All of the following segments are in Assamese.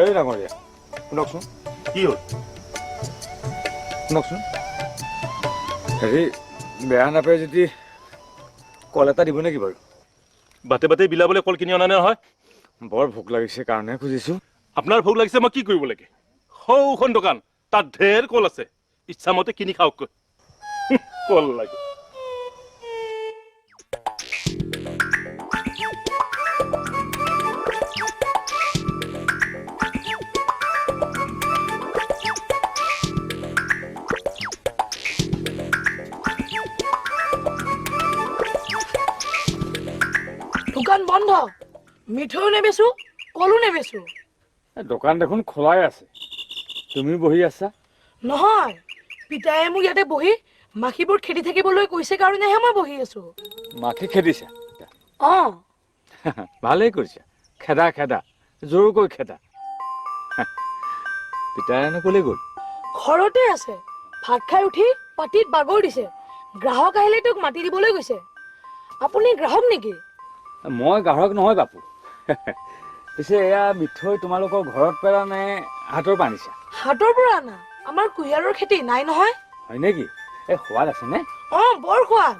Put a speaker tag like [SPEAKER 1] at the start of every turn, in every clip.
[SPEAKER 1] এই ডাঙৰীয়া শুনকচোন
[SPEAKER 2] কি হ'ল
[SPEAKER 1] শুনকচোন হেৰি বেয়া নাপায় যদি কল এটা দিব নেকি বাৰু
[SPEAKER 2] বাটে বাটে বিলাবলৈ কল কিনি অনা নহয়
[SPEAKER 1] বৰ ভোক লাগিছে কাৰণেহে খুজিছোঁ
[SPEAKER 2] আপোনাৰ ভোক লাগিছে মই কি কৰিব লাগে সৌখন দোকান তাত ঢেৰ কল আছে ইচ্ছামতে কিনি খাওককৈ কল লাগে
[SPEAKER 3] দোকান বন্ধ মিঠৈও নেবেচো কলো নেবেচো
[SPEAKER 1] দোকান দেখোন খোলাই আছে তুমি বহি আছা
[SPEAKER 3] নহয় পিতায়ে মোক ইয়াতে বহি মাখিবোৰ খেদি থাকিবলৈ কৈছে কাৰণেহে মই বহি আছো
[SPEAKER 1] মাখি খেদিছা
[SPEAKER 3] অঁ
[SPEAKER 1] ভালেই কৰিছা খেদা খেদা জোৰকৈ খেদা পিতায়েনো ক'লৈ গ'ল
[SPEAKER 3] ঘৰতে আছে ভাত খাই উঠি পাতিত বাগৰ দিছে গ্ৰাহক আহিলে তোক মাতি দিবলৈ গৈছে আপুনি গ্ৰাহক নেকি
[SPEAKER 1] মই গ্ৰাহক নহয় বাপু পিছে এয়া মিঠৈ তোমালোকৰ ঘৰত পেলা নে হাতৰ পৰা আনিছা
[SPEAKER 3] হাতৰ পৰা আনা আমাৰ কুঁহিয়াৰৰ খেতি নাই নহয়
[SPEAKER 1] হয় নেকি এই সোৱাদ আছে নে
[SPEAKER 3] অঁ বৰ সোৱাদ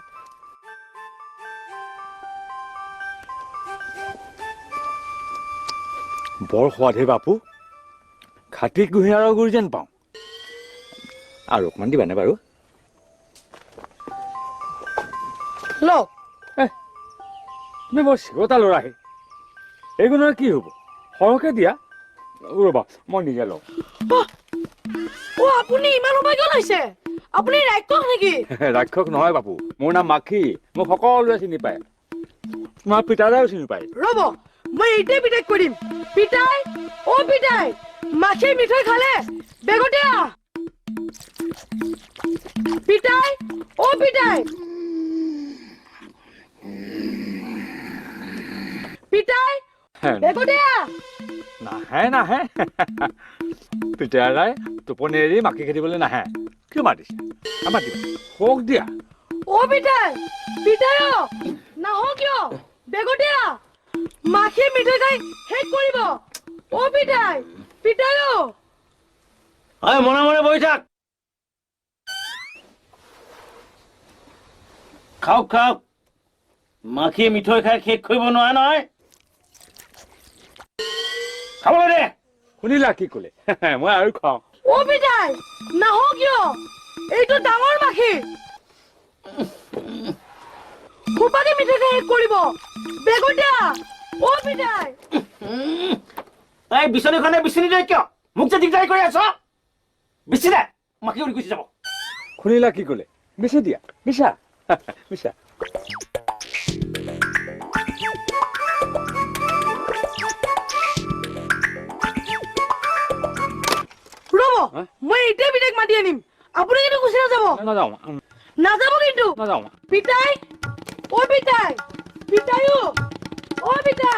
[SPEAKER 1] বৰ সোৱাদ হে বাপু খাটি কুঁহিয়াৰৰ গুৰি যেন পাওঁ আৰু অকণমান দিবানে বাৰু
[SPEAKER 3] লওক
[SPEAKER 1] তুমি বৰ চিৰতা ল'ৰাহে এইগুণৰ কি হ'ব সৰহকৈ দিয়া ৰ'বা মই নিজে লওঁ
[SPEAKER 3] অ' আপুনি ইমান সময় কিয় লৈছে আপুনি ৰাক্ষস নেকি
[SPEAKER 1] ৰাক্ষস নহয় বাপু মোৰ নাম মাখি মোক সকলোৱে চিনি পায় তোমাৰ পিতাদাও চিনি পায়
[SPEAKER 3] ৰ'ব মই এইটোৱে পিতাইক কৰিম পিতাই অ' পিতাই মাখি মিঠৈ খালে বেগতে আহ পিতাই অ' পিতাই পিতাই বেগতে আহ
[SPEAKER 1] নাহে নাহে পিতাৰাই টোপনি এৰি মাখি খেদিবলৈ নাহে কিয় মাতিছে আমাৰ দিবা শোক দিয়া
[SPEAKER 3] অ' পিতাই পিতাই অ' নাহ কিয় বেগতে আহ মাখি মিঠৈ খাই শেষ কৰিব অ' পিতাই পিতাই অ'
[SPEAKER 4] হয় মনে মনে বহি থাক খাওক খাওক মাখি মিঠৈ খাই শেষ কৰিব নোৱাৰে নহয় খাবলৈ দে
[SPEAKER 1] শুনিলা কি ক'লে মই আৰু খাওঁ
[SPEAKER 3] অ' পিতাই নাহ কিয় এইটো ডাঙৰ মাখি খোপাকে মিঠৈ খাই শেষ কৰিব বেগতে আহ অ' পিতাই
[SPEAKER 4] এই বিচনীখনে বিচনী দে কিয় মোক যে দিগদাৰি কৰি আছ বিচি দে মাখি উৰি গুচি যাব
[SPEAKER 1] শুনিলা কি ক'লে বেছি দিয়া মিছা মিছা
[SPEAKER 3] ৰ'ব মই এইটোৱে পিতাইক মাতি আনিম আপুনি কিন্তু গুচি নাযাব
[SPEAKER 1] নাযাওঁ
[SPEAKER 3] নাযাব কিন্তু
[SPEAKER 1] নাযাওঁ
[SPEAKER 3] পিতাই অ' পিতাই পিতাই অ' পিতাই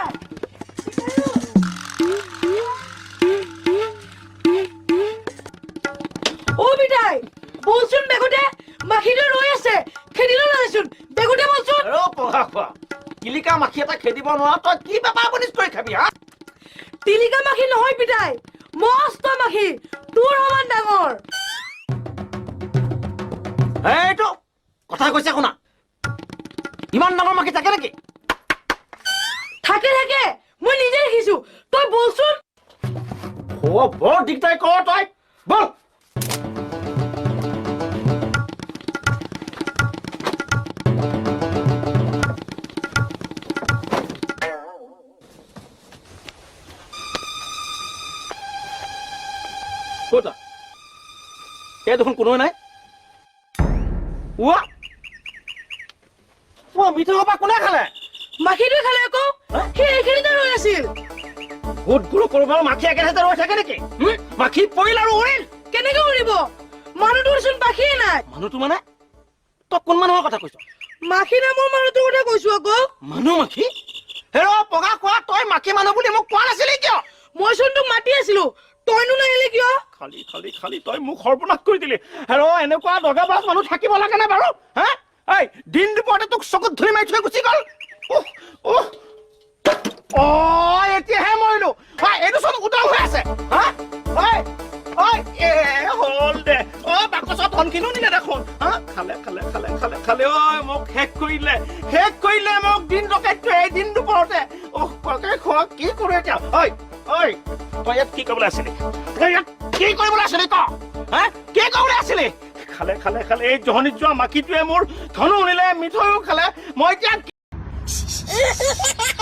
[SPEAKER 3] অ' পিতাই বলচোন বেগতে মাখিটো ৰৈ আছে খেদিলো নাযায়চোন বেগতে বলচোন
[SPEAKER 4] আৰু পঢ়া খোৱা কিলিকা মাখি এটা খেদিব নোৱাৰ তই কি বেপাৰ বনিজ কৰি খাবি হা
[SPEAKER 3] তিলিকা মাখি নহয় পিতাই মস্ত মাখি তোৰ সমান ডাঙৰ
[SPEAKER 4] এইটো কথা কৈছে শুনা ইমান ডাঙৰ মাখি থাকে নেকি
[SPEAKER 3] থাকে থাকে মই নিজে দেখিছো তই বলচোন
[SPEAKER 4] বৰ দিগদাৰি কৰ তই বল ক'তা এই দেখোন কোনোৱে নাই মিঠৈ সোপা কোনে খালে
[SPEAKER 3] মাখিটোৱে খালে আকৌ সি এইখিনিতে ৰৈ আছিল
[SPEAKER 4] ভূত গুৰু কৰবাৰ মাখি একেঠাইতে ৰৈ থাকে নেকি মাখি পৰিল আৰু উৰিল
[SPEAKER 3] কেনেকে উৰিব মানুহটোৰচোন পাখিয়ে নাই
[SPEAKER 4] মানুহটো মানে তই কোন মানুহৰ কথা কৈছ
[SPEAKER 3] মাখি নামৰ মানুহটোৰ কথা কৈছো আকৌ
[SPEAKER 4] মানুহ মাখি হেৰ পগা কোৱা তই মাখি মানুহ বুলি মোক কোৱা নাছিলি কিয়
[SPEAKER 3] মইচোন তোক মাতি আছিলো তইনো নাহিলি কিয়
[SPEAKER 4] খালি খালি খালি তই মোক সৰ্বনাশ কৰি দিলি হেৰ এনেকুৱা দগাবাজ মানুহ থাকিব লাগে নে বাৰু হা এই দিন দুপৰতে তোক চকুত ধৰি মাৰি থৈ গুচি গ'ল এতিয়াহে মৰিলো এইটো চোন উতল হৈ আছে খালে খালে খালে খালে ঐ মোক শেষ কৰিলে মোক দিন ডকাইতটো এই দিন দুপৰতে কলকে খোৱা কি কৰে এতিয়া ঐ তই ইয়াত কি কৰিবলৈ আছিলি তই ইয়াত কি কৰিবলৈ আছিলি ক হা কি কৰিবলৈ আছিলি খালে খালে খালে এই জহনিত যোৱা মাখিটোৱে মোৰ ধনু উলিলে মিঠৈও খালে মই এতিয়া